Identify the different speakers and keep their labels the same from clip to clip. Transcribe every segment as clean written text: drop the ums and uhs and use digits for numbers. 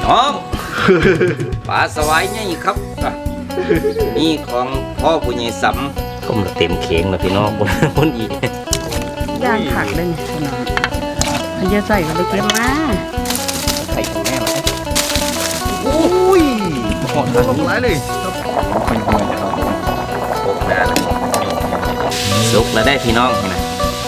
Speaker 1: น้องปลาสวายนี่ครับนี่ของพ่อผู้ใหญ่สำก็มันเต็มเข่งแล้วพี่น้องคนอีก
Speaker 2: ย่างผักเลยเนี่ยพี่น้องมันจะใส่กันไปเก็บมา
Speaker 1: ใส่ของแม่มาโอ้ยหอมลงหลายเลยโอ้แม่เลยสุกแล้วได้พี่น้องนะ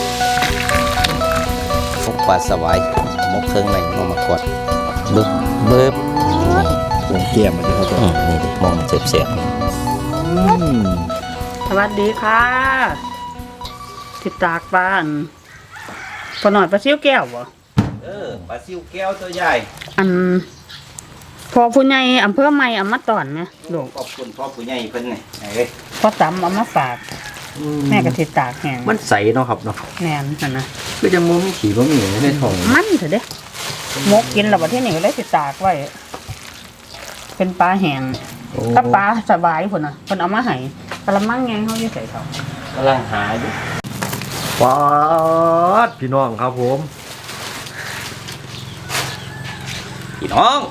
Speaker 1: ฟุกปลาสวายมกเครื่องในมากดเบิบ
Speaker 3: วงเกียมมันจะเข้าใจ
Speaker 1: นี่ดิมองเสียบ
Speaker 2: สวัสดีค่ะติดตากปลาปลาหน่อยปลาซิวแก้วบ่
Speaker 1: ปลาซิวแก้วตัวใหญ่
Speaker 2: พอผู้ใหญ่อำเภอใหม่เอามาตอนเนี่ยลูก
Speaker 1: ขอบคุณพ่อผู้ใหญ่เพิ่นไง
Speaker 2: พ่อตำเอามาฝากแม่ก็ติดตากแห้ง
Speaker 3: มันใสเนาะครับเนาะ
Speaker 2: แน่นนะ
Speaker 3: คือจะมุ้งขี่บะหมี่ในท้อง
Speaker 2: มันเถอะเด้มกกินแล้วประเทศนี้ก็ได้ติดตากไว้เป็นปลาแห้งกับปลาสบายพุ่นน่ะเพิ่นเอามาให้กะละมังไงเขาอยู่ใส่เขา
Speaker 1: กำลังหาอยู่
Speaker 3: ป๊าดพี่น้องครับผม
Speaker 1: พี่น้อง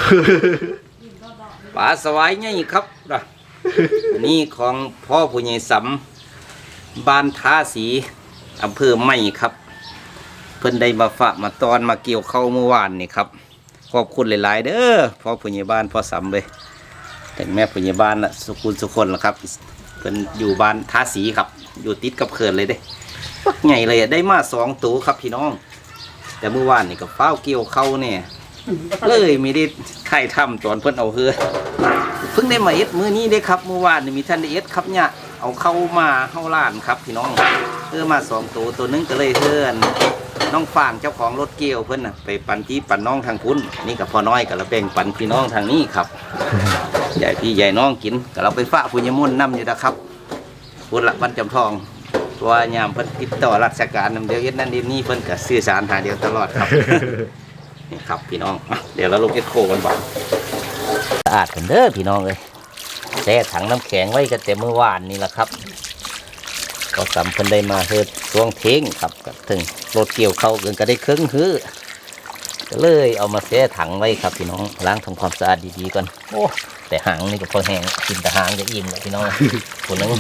Speaker 1: ปลาสวายนี่ครับนี่ของพ่อผู้ใหญ่สำบ้านท่าสีอำเภอไม้ครับเพิ่นได้มาฝากมาตอนมาเกี่ยวเข้าเมื่อวานนี่ครับขอบคุณหลายๆเด้อพ่อผู้ใหญ่บ้านพ่อสำเลยแต่แม่ผู้ใหญ่บ้านน่ะสุขุนสุคนละครับเพิ่นอยู่บ้านท่าสีครับอยู่ติดกับเขื่อนเลยเด้ปักใหญ่เลยได้มา2 ตัวครับพี่น้องแต่เมื่อวานนี่ก็เฝ้าเกี่ยวเข้าเนี่ยเลยไม่ได้ไข่ทำตอนเพิ่นเอาเฮือเพิ่งได้มาเอ็ดมื้อนี้ได้ครับเมื่อวานนี่มีท่านได้เอ็ดครับเนี่ยเอาเข้ามาเข้าล้านครับพี่น้องเฮือมา2 ตัวตัวนึงก็เลยเฮือนน้องฟางเจ้าของรถเกี่ยวเพิ่นน่ะไปปั่นที่ปั่นน้องทางพุ้นนี่กับพ่อน้อยกับเราแบ่งปั่นพี่น้องทางนี้ครับใหญ่พี่ใหญ่น้องกินกับเราไปฝากผู้ใหญ่มุ่นน้ำอยู่นะครับพุ้นละบ้านจำทองตัวยามเพิ่นติดต่อราชการนำเดียวเอ็ดนั่นเอ็ดนี่เพิ่นก็สื่อสารหาเดียวตลอดครับนี่ครับพี่น้องเดี๋ยวเราลงเอ็ดโคกันบ่สะอาดกันเด้อพี่น้องเลยแช่ถังน้ำแข็งไว้กันแต่เมื่อวานนี่แหละครับก็สำเพิ่นได้มาเฮ็ดช่วงเท้งครับถึงรถเกี่ยวเข้ากันก็ได้ครึ่งฮื้อก็เลยเอามาแช่ถังไว้ครับพี่น้องล้างทำความสะอาดดีๆก่อนโอ้แต่หางนี่ก็พอแห้งกินแต่หางจะอิ่มแล้วพี่น้องคนนึง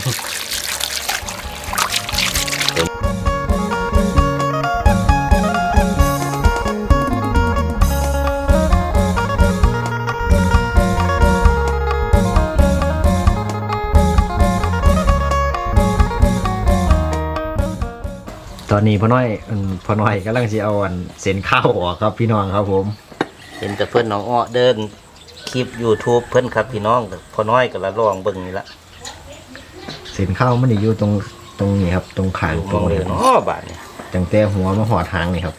Speaker 3: ตอนนี้พ่อน้อยกำลังจะเอาเส้นข้าวออกครับพี่น้องครับผม
Speaker 1: เห็นแต่เพื่อนน้องอ้อเดินคลิป YouTube เพื่อนครับพี่น้องพ่อน้อยก็ละลองเบิ่งนี่ละ
Speaker 3: เส้นข้าวมันอยู่ตรงนี้ครับตรงขาง
Speaker 1: ตรงเลยเนาะบาดเนี่ย
Speaker 3: ตั้งแต่หัวมาหอดหางนี่ครับ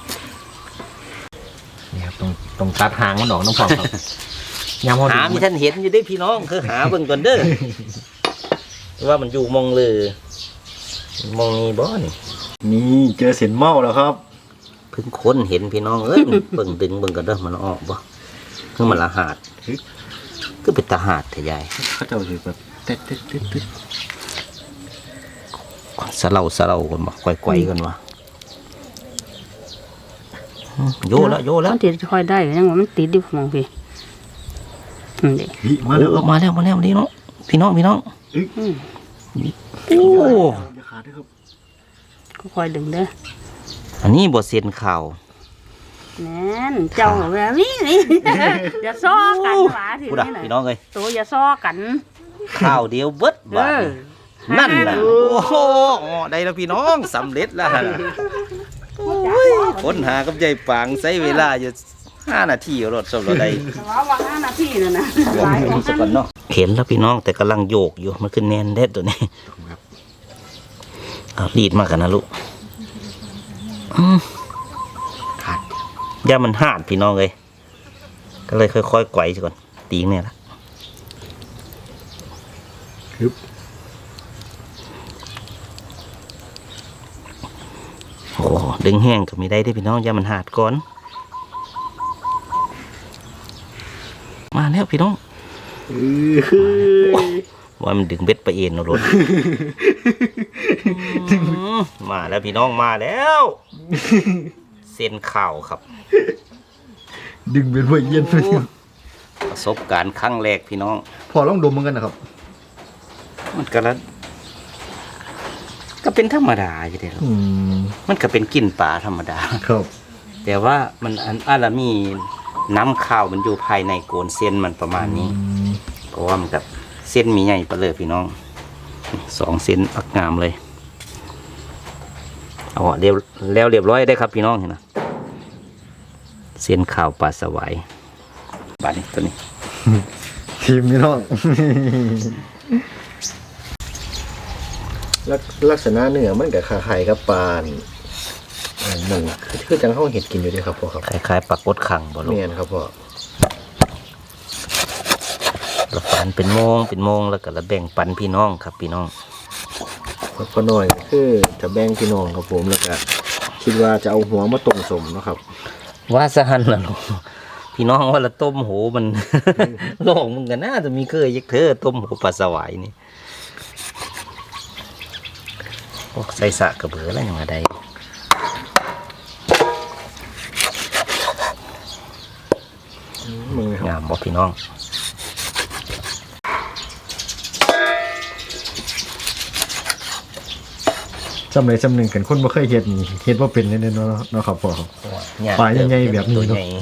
Speaker 3: นี่ครับตรงตัดหางมันออกน้ำพองครับ
Speaker 1: หามีท่านเห็นอยู่ได้พี่น้องคือหาเบิ่งก่อนเด้อว่ามันอยู่มองเลยมองนี่บ่
Speaker 3: นี่เจอเส้นเมาแล้วครับ
Speaker 1: เพิ่งค้นเห็นพี่น้องเอ้ยเบิ่งดึงเบิ่งกันเด้อมันออกบ่คือมันละหาดก็เป็นตาหาดทะยาย
Speaker 3: เขาจะอยู่แบบเต๊ด
Speaker 1: สะเล่ากันบ่ไกวๆกันวะโยแล้ว
Speaker 2: มันติดค่อยได้ยังว่ามันติดอยู่มองพี่
Speaker 1: มาแล้วนี่เนาะพี่น้องโอ้
Speaker 2: ก็คอยดึงเด้อ
Speaker 1: อันนี้บทเสียนข่าว
Speaker 2: แน่นเจ้าแบบนี้อย่าซ้อกันหวาทีนี้
Speaker 1: พี่น้องเลย
Speaker 2: ตัวอย่าซ้อกัน
Speaker 1: ข่าวเดียวเบิดบ้านั่นน่ะโอ้โหได้แล้วพี่น้องสำเร็จแล้วค้นหากับใจปางใช้เวลาอยู่5 นาทีรถสมรถได้
Speaker 2: ว่า5 นาทีนั่นนะ
Speaker 1: หลายของสักก่อนเนาะเห็นแล้วพี่น้องแต่กำลังโยกอยู่มันขึ้นแน่นเด็ดตัวนี้รีดมากันนะลูกย่ามันหาดพี่น้องเลยก็เลยค่อยๆไกวก่อนตีงเนี่ยละโอ้ดึงแห้งก็ไม่ได้ด้วยพี่น้องย่ามันหาดก่อนมาแล้วพี่น้องว่ามันดึงเบ็ดไปเอ็นรถมาแล้วพี่น้องมาแล้วเส้นข่าวครับ
Speaker 3: ดึงเป็นพวกเย็นไป
Speaker 1: โอ้ประสบการณ์ครั้งแรกพี่น้อง
Speaker 3: พอลองดมเหมือนกันนะครับ
Speaker 1: มันก็แล้วก็เป็นธรรมดาอยู่เดียว มันก็เป็นกลิ่นปลาธรรมดา
Speaker 3: ครับ
Speaker 1: แต่ว่ามันอาละมีน้ำข้าวมันอยู่ภายในโกนเส้นมันประมาณนี้ เพราะว่ามันกับเส้นมีใหญ่ไปเลยพี่น้อง2 เส้นอักงามเลยเอาเรียบแล้วเรียบร้อยได้ครับพี่น้องเห็นไหมเส้นข้าวปลาสวายบาดนี้ตัวนี้
Speaker 3: ทีมพี่น้อง ลักษณะเนื้อมันกับคล้ายๆกับปลานี่มันคือจังเขาเห็ดกินอยู่ด้วยครับพ่อครับ
Speaker 1: คล้ายๆปลากดขังบ่ลูก
Speaker 3: เมียนครับพ่อ
Speaker 1: เราฝันเป็นโมงแล้วก็ระแบ่งปันพี่น้องครับพี่น้อง
Speaker 3: พ่อน้อยคือจะแบ่งพี่น้องครับผมแล้วก็คิดว่าจะเอาหัวมาต้มสมเนาะครับ
Speaker 1: ว่าสหันล่ะลูกพี่น้องว่าละต้มโหมัน โลกมันก็น่าจะมีเคยยักเธอต้มโหปลาสวายนี่พวกใส่สะกระเบืออะไรอย่างไร
Speaker 3: มึงครับ
Speaker 1: งามบอกพี่น้อง
Speaker 3: จำเลยจำหนึ่งกันคนบ่เคยเห็ดนี่เห็ดว่าเป็นแน่ๆเนาะครับพ่อครับ ปลาใหญ่ๆแบบนี้
Speaker 1: ตัว
Speaker 3: เนอะ
Speaker 1: ใหญ่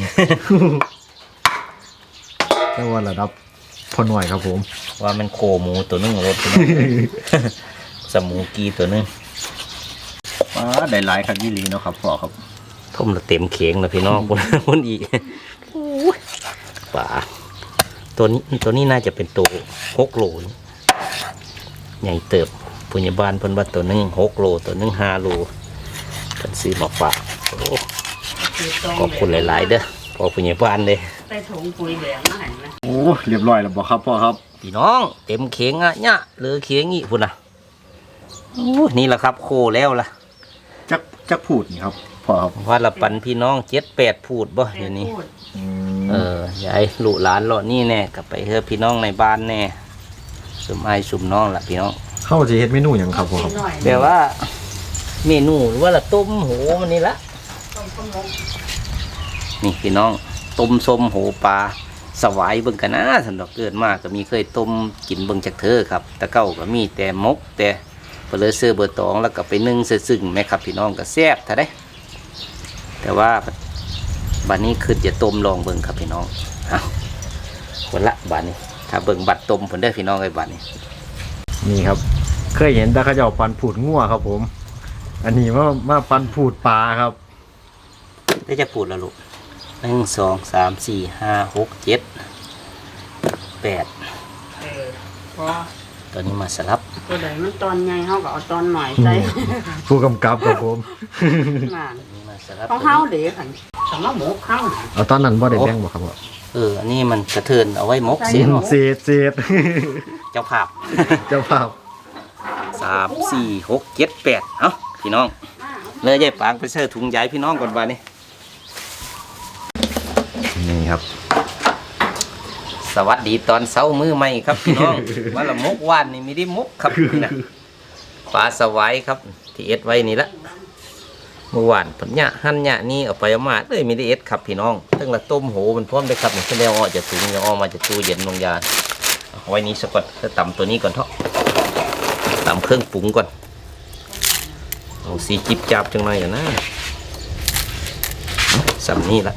Speaker 3: แต่ว่าระดับพ่อน้อยครับผม
Speaker 1: ว่ามันโคหมูตัวนึงรถพี่น้อง สมูกีตัวนึง
Speaker 3: ปลาได้หลายครับยี่หลีเนาะครับพ่อครับ
Speaker 1: ท่มละเต็มเขียงนะพี่น้อง คนอีกโอ้ยป่าตัวนี้น่าจะเป็นตัว6 โลนี่ใหญ่เติบปุญญาบาลเพิ่นว่าตัวนึง6 โลตัวนึง5 โลเพิ่นซื้อมาฝากโอ้ขอบคุณหลายๆเด้อพอปุญญาบาลเลย
Speaker 2: ใส่ถุงปุ๋ยแดงมาให้นะ
Speaker 3: โอ้เรียบร้อยแล้วบอกครับพ่อครับ
Speaker 1: พี่น้องเต็มเขียงอ่ะเนี่ยเหลือเขียงอีกพุ่นน่ะโอ้นี่แหละครับโคแล้วล่ะ
Speaker 3: จักพูดนี่ครับพ่อครับ
Speaker 1: ว่าละปันพี่น้อง7-8 พูดบ่เดี๋ยวนี้ ยายลูกหลานเลาะนี่แน่กลับไปเถอะพี่น้องในบ้านแน่สุมไอายสุมน้องล่ะพี่น้อง
Speaker 3: เข้าจะเฮ็ดเมนูอย่างครับพ่อครับ
Speaker 1: แต่ว่าเมนูหรือว่าละต้มโหมันนี่ละนี่พี่น้องต้มส้มโหปลาสวายเบิ่งกันนะสันดอกเกิดมากก็มีเคยต้มกินเบิ่งจากเธอครับแต่เก้าก็มีแต่มกแต่เปลือเสื้อเบอร์ตองแล้วก็ไปนึ่งซึ่งแม่ครับพี่น้องก็แซ่บท่าได้แต่ว่าบัดนี้คือจะต้มลองเบิ่งครับพี่น้องเอาคนละบัดนี้ถ้าเบิ่งบัดต้มผลได้พี่น้องไอ้บัดนี้
Speaker 3: นี่ครับ เคยเห็นแต่เขาจะเอาปันผูดงัวครับผม อันนี้มาปันผูดปลาครับ
Speaker 1: ได้จะปูดแล้วลูก1 2 3 4 5 6 7 8
Speaker 2: พอ
Speaker 1: ตัวนี้มาสลับ
Speaker 2: ตัวใดมันตอนใหญ่เฮาก็เอาตอนหน่อยใส่
Speaker 3: ผู้กำกับครับผม
Speaker 2: งาน
Speaker 1: ตัวนี้มาสลับ
Speaker 2: ของเฮาเด้คั่นสำหรับหมูเฮาน่ะ
Speaker 3: เอาตอนนั้นบ่ได้แบ่งบ่ครับพ่อ
Speaker 1: อันนี้มันกระเทินเอาไว้มกเสีย
Speaker 3: เศษ
Speaker 1: เจ้าภาพ
Speaker 3: เจ้าภาพ
Speaker 1: 3 4 6 7 8เอ้าพี่น้องเลยยายปางไปเสิร์ฟถุงใหญ่พี่น้องก่อนบัดนี้
Speaker 3: นี่ครับ
Speaker 1: สวัสดีตอนเช้ามือใหม่ครับพี่น้อง ว่าละมกว่านนี่มีได้มกครับนี่นะปลาสวายครับที่เอ็ดไว้นี่ละเมื่อวานผมเนี่ยหั่นเนี่ยนี่เอาไปเอามาเลยมีได้เอ็ดครับพี่น้องตั้งแต่ต้มโหมันพร้อมได้ครับนี่แสดงว่าจะถุงจะออกมาจากตู้เย็นลงยาเอาไว้นี้สักก่อนจะตำตัวนี้ก่อนเถอะตำเครื่องปรุงก่อนเอาสีจิบจับจังหน่อยอ่ะนะสำนี่ละ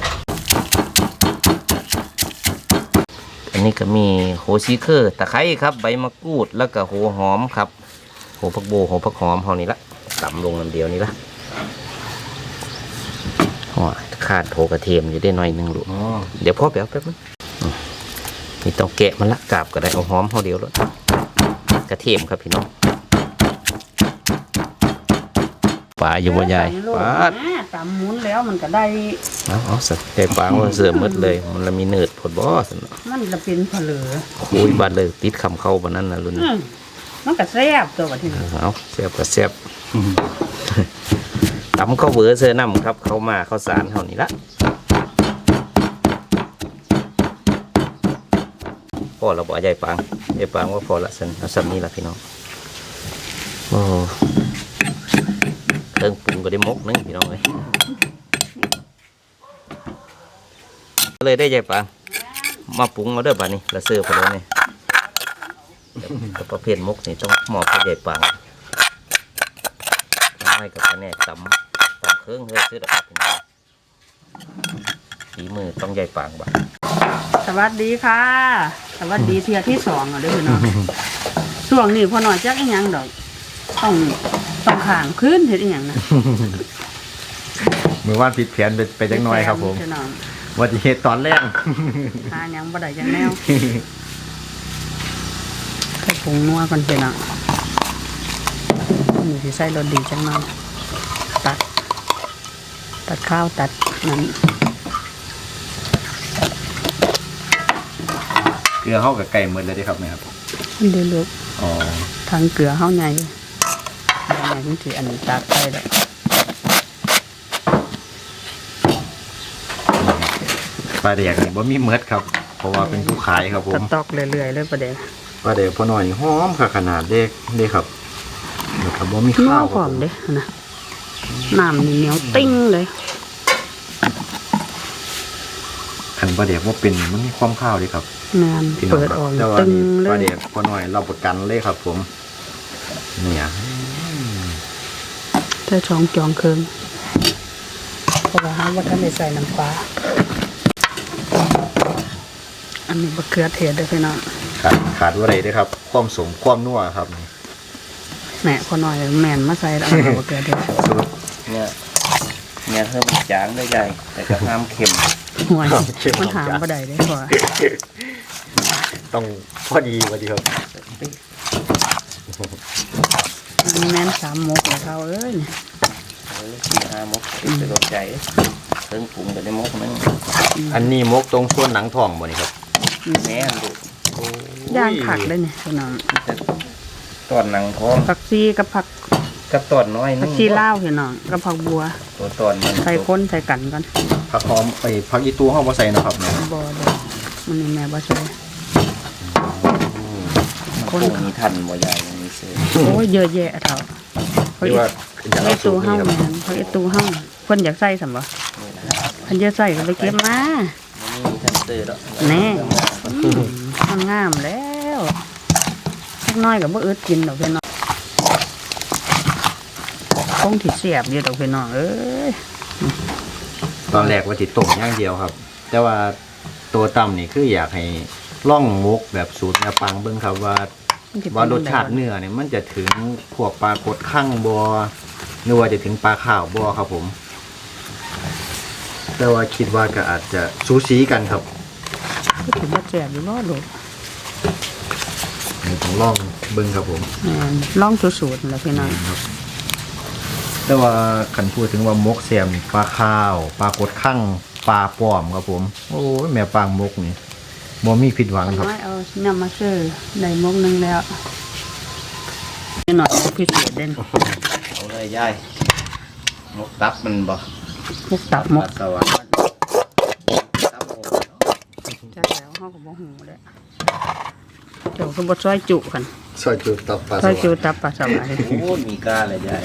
Speaker 1: อันนี้ก็มีโหชีเคอร์ตะไคร้ครับใบมะกรูดแล้วก็โหหอมครับโหผักโบโหผักหอมเท่านี้ละตำลงน้ำเดียวนี้ละขาดโถกระเทียมอยู่ได้หน่อยหนึงลูกเดี๋ยวพ่อแป๊บนึงนี่ต้องแกะมันละกาบก็ได้เอาหอมเท่าเดียวแล้วกระเทียมครับพี่น้องปลาอยู่บ่ใหญ่ปลา
Speaker 2: ตำหมุนแล้วมันก็ได้
Speaker 1: เอาสักใจปลาว่าเสือมืดเลยมันละมีเนืดผดบ่สน
Speaker 2: มันจะเป็นผลือ
Speaker 1: คุยบาดเลยติดคำเข้าบานนั้นนะรุ่น
Speaker 2: มันก็แซ่บตัวบัดนี้
Speaker 1: เอาแซ่บก็แซ่บตำข้าวเบือเสื้อน้ำครับเข้ามาข้าวสารเท่านี้ละพอเราบอกใหญ่ปังว่าพอละสันเอาสันนี้ละพี่น้องโอ้เครื่องปรุงก็ได้มกนึงพี่น้องเลยเลยได้ยายปางมาปรุงเอาเด้อป่านนี้ละเสือพอแล้วนี่แต่ประเภทมกนี่ต้องหมอบให้ยายปางไม่กับแผนกตำเครื่องเฮ้ยซื้อดอกพี่น้องฝีมือต้องยายปางบ่
Speaker 2: สวัสดีค่ะ สวัสดีเที่ยที่2อ่ะเด้อพี่น้องช่วงนี้พอหน่อยจักอีหยังดอกต้องข้างคืนเฮ็ดอีหยังนะ
Speaker 3: มือว่านผิดแผนไปจังน้อยครับผม
Speaker 2: พี่น้อง
Speaker 3: ว่าจะเหตุตอนแรก
Speaker 2: หาหยังบ่ได้จังแนวใส่ผงนัวก่อนพี่น้องนี่สิใส่รสดีจังหน่อยตัดข้าวตัดนั้น
Speaker 3: เกลือเข้ากับไก่หมดเลยได้ครับเนี่ยครับ
Speaker 2: มันได้ลูก
Speaker 3: อ๋อ
Speaker 2: ทางเกลือเฮาใหญ่ใหญ่จังสิอันนี้ตัดไปดอก
Speaker 3: ปลาแดกนี่บ่มีเมดครับ เพราะว่าเป็นผู้ขายครับผม
Speaker 2: ตอกเรื่อยๆเลยประเดี๋ยว
Speaker 3: ปลาแดกพอหน่อยหอมค่ะขนาดเด็กครับนะครับบ่มี
Speaker 2: นัว
Speaker 3: ข้าว
Speaker 2: พร้อมเด้นะน้ำนี่เหนียวติ้งเลย
Speaker 3: ขันปลาแดกว่าเป็นมันมีความข้าวเลยครับ
Speaker 2: งาน
Speaker 3: พี่น้อง
Speaker 2: เปิด
Speaker 3: ครับ
Speaker 2: ออก
Speaker 3: แต่ว่า
Speaker 2: ตึง
Speaker 3: นี่
Speaker 2: เล
Speaker 3: ปลาย แดกพอหน่อยเราประกันเลยครับ ผมเนี่ย
Speaker 2: ถ้าช่องจองเคืองเพราะว่าหาว่าท่านได้ใส่น้ำปลาอันนี้บะเขือเทศเด้อพี่น้อง
Speaker 3: ขาดว่าอะไรด้วยครับ ความสมความนัวครับนี่
Speaker 2: แหม่พอหน่อยแม่นมาใส่แล้วเอาบะเขือเทศ
Speaker 3: สูตร
Speaker 1: เนี่ยเพิ่มจางได้ใหญ่แต่ก็ห้ามเค็ม
Speaker 2: ห่วย
Speaker 3: เข้ม
Speaker 2: มันหา
Speaker 3: จ้ะ
Speaker 2: บ่ได้เด้อพอ
Speaker 3: ต้องพอดีครับ
Speaker 2: อันนี้แม่น3มกแล้วเขาเอ้ย
Speaker 1: 4-5 มกติดไปโดนใจเครื่องปรุงแต่ได้มกมัน
Speaker 3: อันนี้มกตรงส่วนหนังทองบ่นี่ครับ
Speaker 1: แม่นลูก
Speaker 2: ย่างผักเลยเนี่ยพี่น้อง
Speaker 1: แต่ตอนหนังท้อง
Speaker 2: ผักชีกับผัก
Speaker 1: กับตอนน้อยนึ
Speaker 2: ผัก
Speaker 1: ง
Speaker 2: ชีลาวพี่น้องกับผักบัว
Speaker 1: ตัวตอนมัน
Speaker 2: ใส่ข้นใส่กันกัน
Speaker 3: ผักหอมไปผักอีตูเฮาบ่ใส่นะครับเนี่ย
Speaker 2: บ่เด้อมันนี่แม่บ่ใส่
Speaker 1: คงมีทันบ่ใหญ่มีเสือ
Speaker 2: โอ้ยเยอะแยะเท่าเขา
Speaker 3: ที่
Speaker 2: อี
Speaker 3: ว่า
Speaker 2: ไอ้ตูเฮาแม่นเขาไอ้ตูเฮาเพิ่นอยากใส่ซั่นบ่
Speaker 1: นี่นะ
Speaker 2: เพิ่นจะใส่ก็ไปเก็บมา
Speaker 1: มีทันเสือดอก
Speaker 2: แน่มันงามแล้วสักน้อยก็บ่อึดกินดอกพี่น้องคงสิเสียบอยู่ดอกพี่น้องเอ้ย
Speaker 3: ตอนแรกว่าสิต้มอย่างเดียวครับ แต่ว่าตัวต่ำนี่คืออยากให้ล่องมกแบบสูตรแนวปังเบิ่งครับว่า
Speaker 2: มันสิเป็น
Speaker 3: ว่ารสชาติเนื้อเนี่ยมันจะถึงพวกปลากดข้างบ่หรือว่าจะถึงปลาข้าวบ่ครับผม แต่ว่าคิดว่าก็อาจจะสูสีกันครับ
Speaker 2: ก็ถือว่าแซ่บอยู่บ่ลูก
Speaker 3: ต้องลองเบิ่งครับผม
Speaker 2: แม่นลองสูตรๆนั่นแหละพี่น้อง
Speaker 3: แต่ว่าขันพูดถึงว่ามกแซมนี่ปลาข้าวปลากดข้างปลาป้อมครับผม โอ้ยแม่ปางมกนี่บ่มีผิดหวังครับ
Speaker 2: น้อยเอาน้ำมาซื้อได้มกหนึงแล้วนี่หน่อยพิเศษเด่น
Speaker 1: เอาเลยยายมกตับมันบ่
Speaker 2: มกตับมก
Speaker 1: สวัสดิ์ตับมก
Speaker 2: จักแล้วเฮาก็บ่ฮู้เด้อเดี๋ยวคือบ่ซอยจุกัน
Speaker 3: ซอยจุตับปลา
Speaker 2: ซอยจุตับปลาสวาย
Speaker 1: โอ้มีกาเลยยาย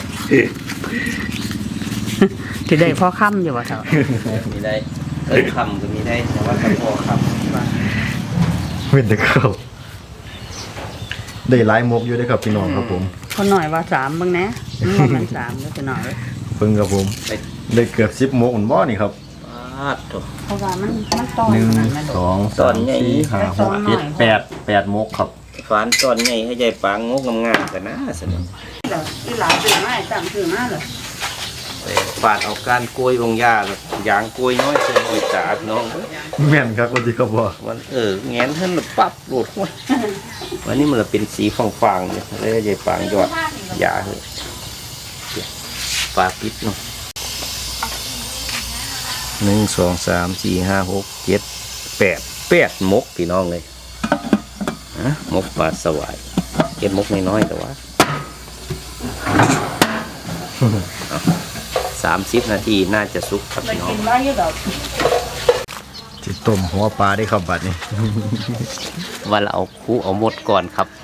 Speaker 2: สิได้พอค่ำอยู่ว่าเท่า
Speaker 1: มีได้คำก็มีได้แต่ว่าตะโพคำ
Speaker 3: เว้นแต่ข้าวได้หลายมกอยู่เด้อครับพี่น้องครับผม
Speaker 2: พอหน่อยว่า3เบิ่งแหน่มัน3แล้วจะหน่อย
Speaker 3: เพิ่งครับผม
Speaker 1: ไป
Speaker 3: ได้เกือบ10มกอันบ่นี่ครับ
Speaker 1: ปาดตัว
Speaker 2: เพราะว่ามันตอน
Speaker 3: หนึ่ง
Speaker 2: นั้นแม่ด
Speaker 3: ส
Speaker 2: อก
Speaker 3: อง
Speaker 1: ตอ
Speaker 3: สาน ม
Speaker 1: ใหญ่
Speaker 3: สี่ห้าหกเจ็ดแปดมกครับ
Speaker 1: ฝานตอนใหญ่ให้ยายปางงกงามๆกันนะสนุก
Speaker 2: อีหลาซื้อมาให้ตั้งซื้อมาเลย
Speaker 1: ฝาดเอาการกล้วยบงยาแบบยางกล้วยน้อยเสียหน่อยจ่าพี่น้องเว้ย
Speaker 3: แม่นครับวันที่เขาบอก
Speaker 1: วันแงนท่านน่ะปั๊บโหลดห้วยวันนี้มันละเป็นสีฟางๆเนี่ยเลยยายปางยอดยาเลยฝาปิดเนาะ1 2 3 4 5 6 7 8มกพี่น้องเลยฮะมกปลาสวายเก็บมกน้อยๆแต่ว่า 30 นาทีน่าจะสุกครับ
Speaker 2: ไป
Speaker 1: พี่น้อ
Speaker 2: กิ
Speaker 1: ง
Speaker 2: นไว้อยู่ดอก
Speaker 3: จิต้มหัวปลาได้ครับบัดนี้
Speaker 1: วันเราเอาคู่เอาหมดก่อนครับ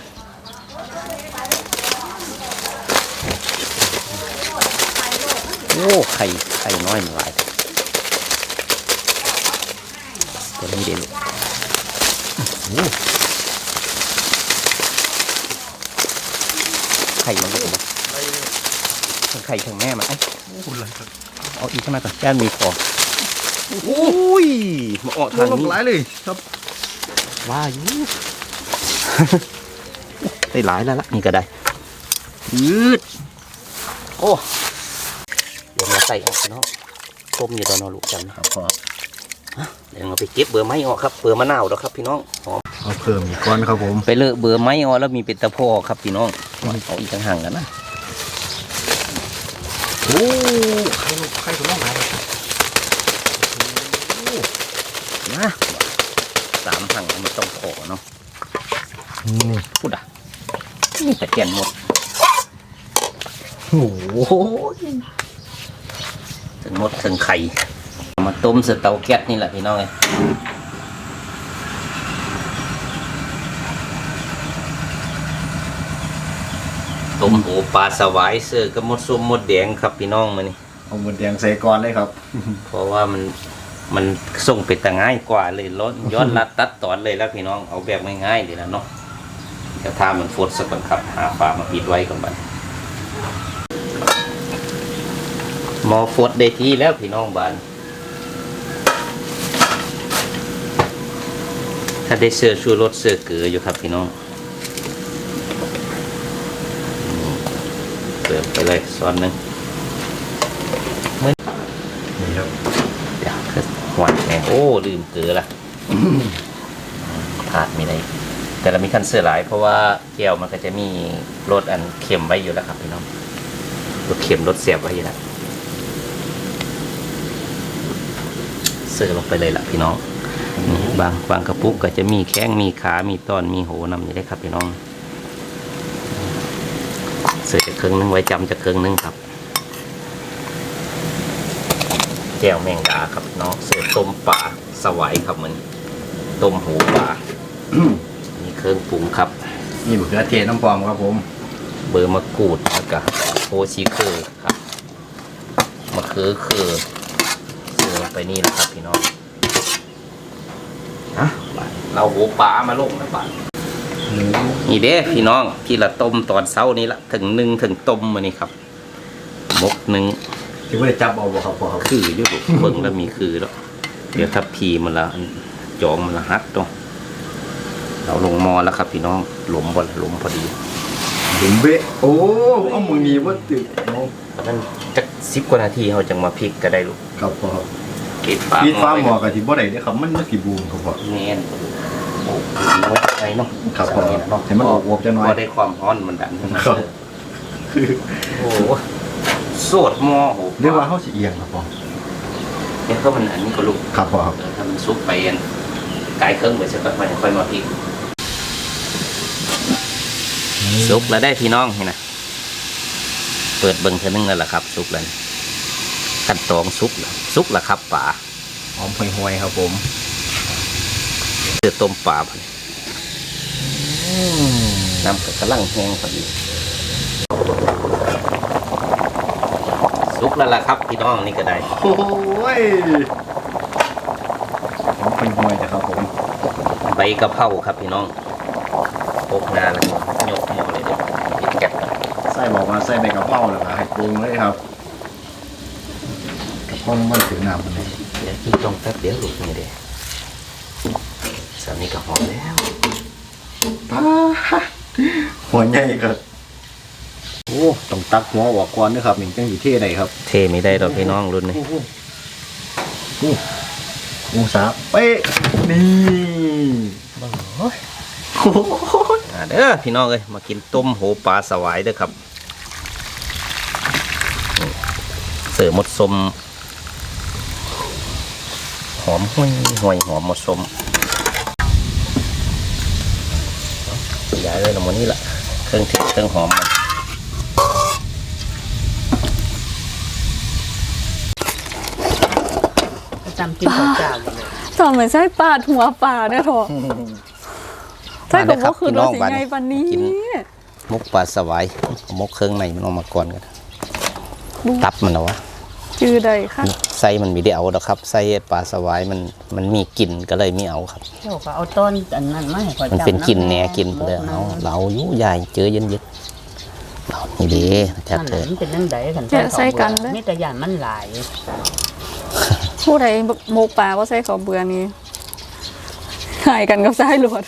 Speaker 1: โอ้ไข่น้อยมันหลายตัวนี้เด็ดไข่มันก็เป็นทั้งไข่ทั้งแม่มันเอาอีกขึ้นมาก่อนย่านมีฟองโอ้ยมาออกทางนี้
Speaker 3: หลายเลยครับ
Speaker 1: ว่าอยู่ ได้หลายแล้วล่ะนี่ก็ได้ยืดโอ้เดี๋ยวมาใส่ออกเนาะต้มอยู่ตอนนอนลูกจำนะครับพ่อเดี๋ยวเราไปเก็บเบอร์ไม้ออกครับเบอร์มะนาวแล้วครับพี่น้องหอม
Speaker 3: เอาเพิ่มอีกก้อนครับผม
Speaker 1: ไปเลอะเบอร์ไม้ออกแล้วมีเป็นตะโพอครับพี่น้องเอาอีกต่างหากกันนะโอ้ไข่ตัวน้องไหนนะ3 ถังมันต้องขอเนาะ
Speaker 3: นี่
Speaker 1: พูดอ่ะนี่แต่แกนหมด
Speaker 3: โอ้โห
Speaker 1: ถึงหมดถึงไข่มาต้มใส่เตาแก๊สนี่แหละพี่น้องเอ้ยต้มหูปลาสวายเสือกับมดส้มมดแดงครับพี่น้องมานี่
Speaker 3: เอาหมดแดงใส่ก้อนเลยครับ
Speaker 1: เพราะว่ามันส่งไปแต่ง่ายกว่าเลยลดย้อนรัดตัดตอนเลยแล้วพี่น้องเอาแบบง่ายๆเลยนะเนาะเดี๋ยวถ้ามันฟดสักก่อนครับหาฝามาปิดไว้ก่อนบัดหมอฟดได้ที่แล้วพี่น้องบ้านถ้าได้เสื้อชูรสเสื้อเกลืออยู่ครับพี่น้องเติมไปเลยซ้อนหนึ่ง
Speaker 3: นี่ครับ
Speaker 1: เดี๋ยวคือหวานแหงโอ้ลืมเกลือละขาดไม่ได้แต่เรามีคันเสื้อหลายเพราะว่าแก้วมันก็จะมีรสอันเค็มไว้อยู่แล้วครับพี่น้องรสเค็มรสเสียบไว้อยู่แล้วเสื้อลงไปเลยล่ะพี่น้องนี่บางกระปุกก็จะมีแข้งมีขามีตอนมีโหนำนี่ได้ครับพี่น้องเสื้อจะครึ่งนึงไว้จำจะครึ่งนึงครับแก้วแมงดาครับน้องเสือต้มปลาสวายครับมันต้มหูปลา มีเครื่องปรุงครับ
Speaker 3: นี่มะเขือเทศน้ำปลอมครับผม
Speaker 1: เบอร์มะกรูดแล้วก็โพชีเคอร์ครับมะเขือคือเสือลงไปนี่นะครับพี่น้องฮะเราหูปลามาลงนะบ้านนี่เด้พี่น้องที่ละต้มตอนเช้านี้ละถึง1 ถึงต้มมานี่ครับมก1
Speaker 3: ที่ว่าได้จับเอาบ่ครับพ่อครับ
Speaker 1: คืออยู่เบิ่งแล้วมีคือแล้วเดี๋ยวถ้าพีมันละจองมันละฮัดตรงเราลงมอแล้วครับพี่น้องหลุมหลุมพอดี
Speaker 3: ถึงเบะโอ้เอามือนี้ว่าตึกน้อง
Speaker 1: เพราะนั้นจัก10 กว่านาทีเขาจังมาพลิกก็ได้ลูก
Speaker 3: ครับพ่อครับ
Speaker 1: ปิดฝา
Speaker 3: พี่ฟ้าหมอกับที่บ่ได้เด้อครับมันสิบูมครับพ่อ
Speaker 1: แน่นโอ้โหไงเนาะ
Speaker 3: ครับพ่อ
Speaker 1: เนาะ
Speaker 3: ให้มันอวบๆจังหน่อย
Speaker 1: พอได้ความร้อนมันดัน
Speaker 3: ครับ
Speaker 1: โอ้โหโสดหมอโอ้โห
Speaker 3: เรียกว่าเฮาสิเอียงครับพ่อ
Speaker 1: เนี่ยก็มันอันนี้ก็ลูก
Speaker 3: ครับพ่อครับ
Speaker 1: ถ้ามันซุกไปอันไกลเครื่องไปสักพักมันค่อยมาพลิกซุกแล้วได้พี่น้องเห็นนะเปิดเบิ่งเท่านึงแล้วล่ะครับซุกแล้วขั้นตอนซุกแล้วครับป่า
Speaker 3: หอมห่วยๆครับผม
Speaker 1: เสือต้มป่าพอดีน้ำกระลังแห้งพอดีซุกแล้วล่ะครับพี่น้องนี่ก็ได้
Speaker 3: โอ้ยหอมห่วยๆจ้ะครับผม
Speaker 1: ใบกะเพราครับพี่น้องพกงาแล้วก็ยกหม้อเลยเด็ดปิดแก๊ส
Speaker 3: ไส้บอกว่าไส้ใบกะเพราแล้วก็ให้ปรุงเลยครับกะเพรามันถึงน้ำมันเลย
Speaker 1: เดี๋ยวกินตรงแป๊บเดียวลูกนี่เด้สามีก็หอมแล้ว
Speaker 3: ป้าหัวใหญ่ครับโอ้ต้องตักหัวออกก่อนนะครับนี่จังสิเท่ได้ครับ
Speaker 1: เทไม่ได้ดอกพี่น้องรุ่นนี้
Speaker 3: องศาเป๊ะนี่โอ้ย
Speaker 1: เด้อพี่น้องเอ้ยมากินต้มโหปลาสวายเด้อครับเสิร์ฟหมดสมหอมห่วยหอมหมดสมย้ายเลยละหมดนี่แหละเครื่องเทศเครื่องหอมมัน
Speaker 2: จำกินข้าวเจ้าอยู่เลย
Speaker 4: จอมเหมือนไส้ปลาหัวปลาเนี่ยเถอะไส้กับว่าคือรสสีไงปันนี้
Speaker 1: มุกปลาสวายเอามุกเครื่องในมันออกมาก่อนกันตับมันเหรอวะ
Speaker 4: จื้อใดค่ะ
Speaker 1: ไส้มันมีได้เอาดอกครับไส้ปลาสวายมันมีกลิ่นก็เลยไม่เอาครับ
Speaker 2: เจ้าก็เอาต้นอันนั้นมาให้ข่อย
Speaker 1: มัน
Speaker 2: จำ
Speaker 1: เป็นกลิ่น
Speaker 2: ำ
Speaker 1: แหน่กลิ่นไปเลยเอาเราอยู่ใหญ่เจอเย็นๆเรานี่เด้จัด
Speaker 2: นั่น
Speaker 1: เถ
Speaker 2: แหละ
Speaker 1: อะ
Speaker 2: มันเป็นจังไดกัน
Speaker 4: แกะใส่กันเลย
Speaker 2: มีแต่ย่านมันหลาย
Speaker 4: ผู้ใดหมกปลาว่าใส่ข้าวเบื่อนี่หายกันกับสายหลวด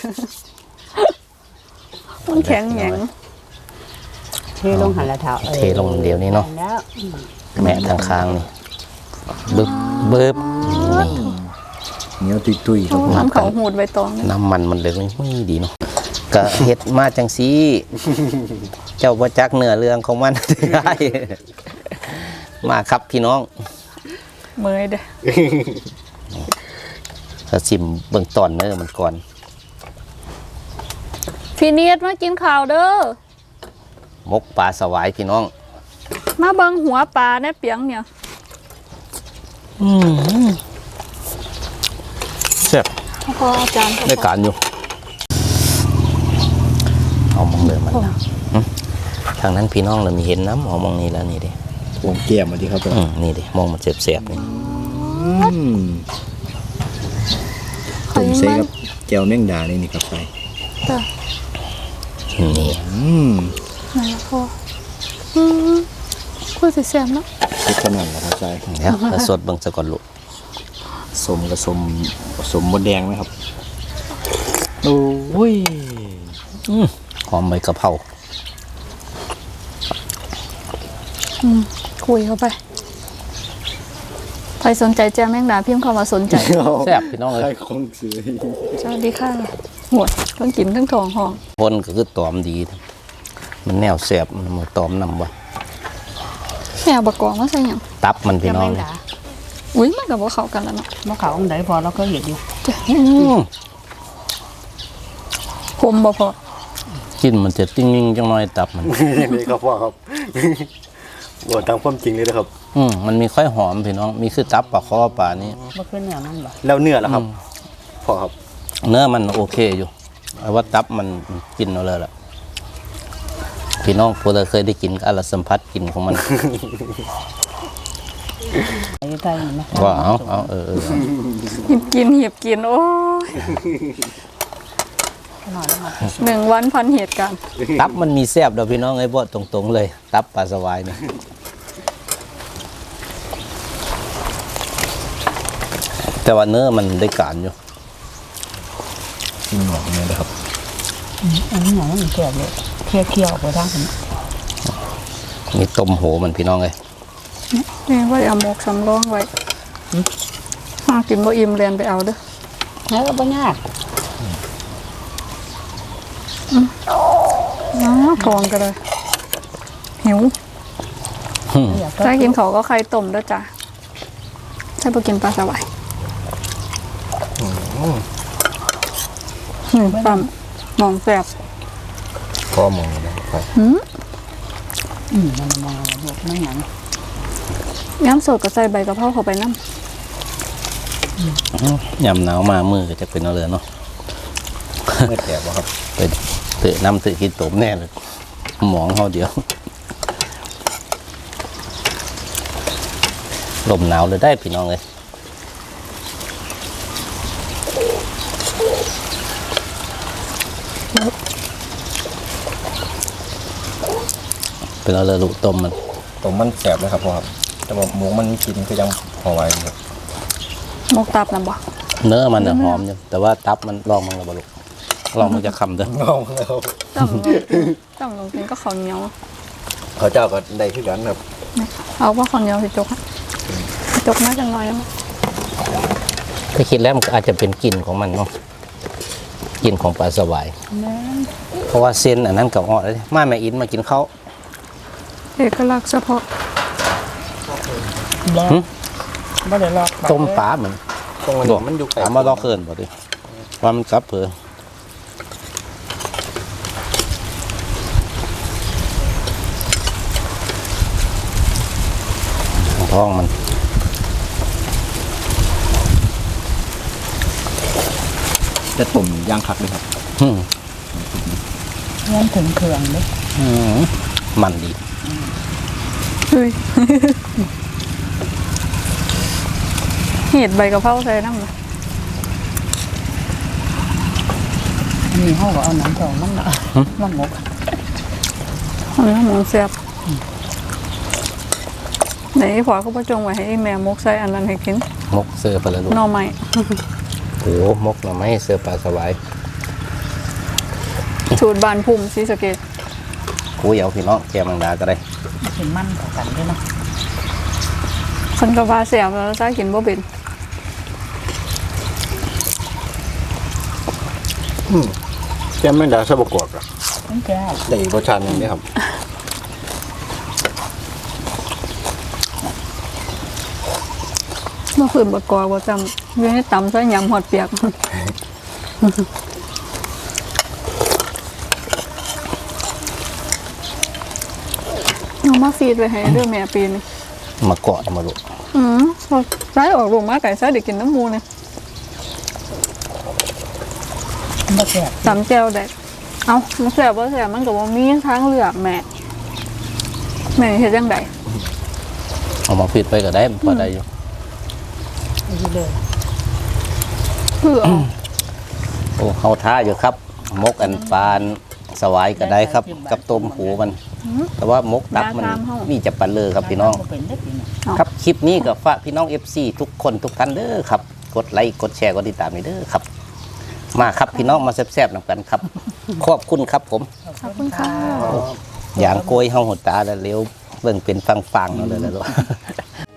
Speaker 4: มันแข็งแหง
Speaker 2: เทลงหันละเท้า
Speaker 1: เทลงเดี๋ยวนี้เนาะ
Speaker 2: แล้ว
Speaker 1: แม่ทางค้างนี่บึบบึบนี่
Speaker 3: เหนียวตุยๆครับผม
Speaker 4: น้ำเขาหูดใบตองเนี่ย
Speaker 1: น้ำมันเลยไม่ดีเนาะก็เฮ็ดมาจังซี่ เจ้าบ่จักเนื้อเรื่องของมัน ได้ มาครับพี่น้อง
Speaker 4: เมื่อยเด้อ
Speaker 1: ถ้าซิมเบื้องต้นเนื้อมันก่อน
Speaker 4: พี่เนียดมากินข้าวเด้อ
Speaker 1: มกปลาสวายพี่น้อง
Speaker 4: มาเบิ่งหัวปลาในเปียงเนี่ย
Speaker 1: แซ่บ
Speaker 4: พออาจารย์
Speaker 1: ได้การอยู่ เอามองเลยมันนะทางนั้นพี่น้องเรามีเห็นน้ำเอามองนี่แล้วนี่ดิ
Speaker 3: วงแก้มมาดีครับผม
Speaker 1: นี่ดิมองมันเสียบๆนี่
Speaker 3: ต้มใส่กับแก้วแมงดานี่ครับใส่
Speaker 4: จ้ะ
Speaker 1: นี่
Speaker 4: ไหนล่ะพ่อคุยสิแซ่บเนาะ
Speaker 3: เล็กขนาดนะครับใส่
Speaker 1: เดี๋ยวแล้วสดเบิ่งซะก่อนลูก
Speaker 3: สมกับสมมดแดงไหมครับโอ้ย
Speaker 1: หอมใบกะเพรา
Speaker 4: คุยเข้าไปใครสนใจแจ้งแมงดาพิมพ์เข้ามาสนใจ
Speaker 1: แซ่บพี่น้องเล
Speaker 3: ใช่
Speaker 1: ย
Speaker 3: ของซื้อ
Speaker 4: สวัสดีค่ะหมดต้องกินทั้งทองห้อง
Speaker 1: คนก็คือตอมดี มันแนวแซ่บมันมาตอมนำบ่
Speaker 4: แม่เอาบะกอกมาใส่หยัง
Speaker 1: ตับมันพี่
Speaker 2: จะ
Speaker 1: น้อ
Speaker 2: ไม่
Speaker 1: ง
Speaker 2: ด่า
Speaker 4: อุ้ยมันกับว่าเข้ากันแล้วเนาะ
Speaker 2: มะขาวองใดพอเราก็เห็นอยู่
Speaker 4: คมบ่พอ
Speaker 1: กินมันจะติ้งๆจังน้อยตับมัน
Speaker 3: นี่ครับพ่อครับบอกตามความจริงเลยนะครับ
Speaker 1: มันมีค่อยหอมพี่น้อง มีคือตับปลาคอปลานี้
Speaker 2: บ่ขึ้นเนื้อมันบ่
Speaker 3: แล้วเนื้อล่ะครับพ่อครับ
Speaker 1: เนื้อมันโอเคอยู่แต่ว่าตับมันกินเอาเลยล่ะ พี่น้องพวกเราเคยได้กินก็อรสัมผัสกินของมัน
Speaker 2: ไอ้ไทยนี่นะ
Speaker 1: ว่าเอา
Speaker 4: หิบกินโอ้ย
Speaker 2: หน่อยมา
Speaker 4: 1 วันพันเหตุการณ์
Speaker 1: ตับมันมีแซ่บเด้อพี่น้องไอ้บ่ตรงๆเลย ตับปลาสวายนี่แต่ว่าเนื้อมันได้การอยู่
Speaker 3: กินหนอกเนี่ยนะครับ
Speaker 2: อันนี้หน่อยมันแก่เลยเคี่ยวๆไปทางนี้
Speaker 1: มีต้มโหมันพี่น้องเลย
Speaker 4: นี่ว่าเอาหมกสำรองไว้หากินบ่อิ่มเรียนไปเอาเด้อ
Speaker 2: แล้วก็บ่ยาก
Speaker 4: ทองก็เลยหิวถ้ากินเขาวก็ไข่ต้มด้วยจ้ะถ้าไปกินปลาสวายปั๊มมองแสบ
Speaker 3: พ่อมองนะครับ
Speaker 2: มันมองบวกนั่งหนัง
Speaker 4: ย้ำสดก็ใส่ใบกะเพราเข้าไปน้
Speaker 1: ยำหนาวมามือก็จะเป็นเอาเลยเนาะ
Speaker 3: เมื่อแก่บ่ครับ
Speaker 1: ไปเตะน้ำเตะกินตมแน่เลยหมองเขาเดียวลมหนาวเลยได้พี่น้องเลยเป็นเอาเลยลูกต้มมัน
Speaker 3: ผมมันแสบเลยครับพ่อครับแต่ว่าหมูมันมีกลิ่นก็ยังพอไหวอยู่ครับ
Speaker 4: ำหมกตับนะบ่
Speaker 1: เนื้อมันน่ะหอมอยู่แต่ว่าตับมันลองมันระบลุลองมันจะคำเด้อ
Speaker 3: งงแล้ว
Speaker 4: ต้องลงกินก็ข้าวเหนียว
Speaker 3: เขาเจ้าก็ได้ขึ้นกันครับ
Speaker 4: เอาว่าข้าวเหนียวสิจกอะจกน่าจะน้อยแล้วมั้ง
Speaker 1: ถ้าคิดแล้วมันก็อาจจะเป็นกลิ่นของมันเนาะกลิ่นของปลาสวาย เพราะว่าเส้นอันนั้นกับอ่อนเลยมาแม่อินมากินข้าว
Speaker 4: เอกลักษณ์เฉพาะ
Speaker 2: แล้วบ่ได้ลอก
Speaker 1: ต้มปลาเหมือน
Speaker 3: ตรงนี้มันอยู่ไกล
Speaker 1: ถามว่าลอกเคินบ่ดิว่ามันกลับเผื่อท้องมัน
Speaker 3: จะต้มย่างคักเลยครับ
Speaker 1: อืม
Speaker 2: เงินถึงเครื่องเด้
Speaker 1: มันดี
Speaker 4: เฮ้ยเห็ดใบกะเพราใส่น้ำ
Speaker 2: อันนี้เขาก็เอาน้ำทองมันละมันหมก
Speaker 4: อันนี้หมูเสียบไหนพอเขาประจงไว้ให้แม่มกใส่อันนั้นให้กิน
Speaker 1: มกเสือปลาลูก
Speaker 4: หน่อไม้
Speaker 1: โอ้มกหน่อไม้เสือปลาสวาย
Speaker 4: สูตรบานพุ่มศรีสะเกษ
Speaker 1: กูเหยาพี่น้องแกมังดาก็ได้
Speaker 2: เป็นมันต่อกันด้วยเนาะ
Speaker 4: คนกะว่าเสียบแล้วจ้ากินบ่เป็น
Speaker 3: แก้มแมงดาซะบกอกอะ
Speaker 2: มันแก้ว
Speaker 3: ได้อีกรสชาติหนึงเด้ครับ
Speaker 4: เมื่อคืนบดกอบ่จำอยู่ให้ตำใส่ยำหอดเปียกเอามาฟีดไว้ให้เรื่องแม่ปีน
Speaker 1: มาเกาะมาลูก
Speaker 4: พอใส่ออกลูกมาไก่ใส่เด็กกินน้ำมูเนี่ย
Speaker 2: มันบ่แก้ว
Speaker 4: ตำแจ่วได้เอามันแสบว่าแสบมันกับว่ามีทางเลือกแม่เฮ็ดจังได
Speaker 1: เอามาปิดไปก็ได้พอได้อยู่
Speaker 2: นี่เลย
Speaker 4: เพื่อ
Speaker 1: โอ้เฮาท่าอยู่ครับ มกอันปานสวายก็ได้ครับ กับต้มหูมัน แต่ว่ามกดักมันมีจะปันเลยครับพี่น้อง
Speaker 2: บ่เป็นได้ปีนี้
Speaker 1: ครับคลิปนี้ก็ฝากพี่น้อง FC ทุกคนทุกท่านเด้อครับ กดไลค์กดแชร์กดติดตามนี่เด้อครับ มาครับพี่น้องมาแซ่บๆนำกันครับ ขอบคุณครับผม
Speaker 4: ขอบคุณค่ะ
Speaker 1: อย่างโกยเฮาหดตาแล้วเร็วเบิ่งเป็นฟังๆเอาเลยแล้ว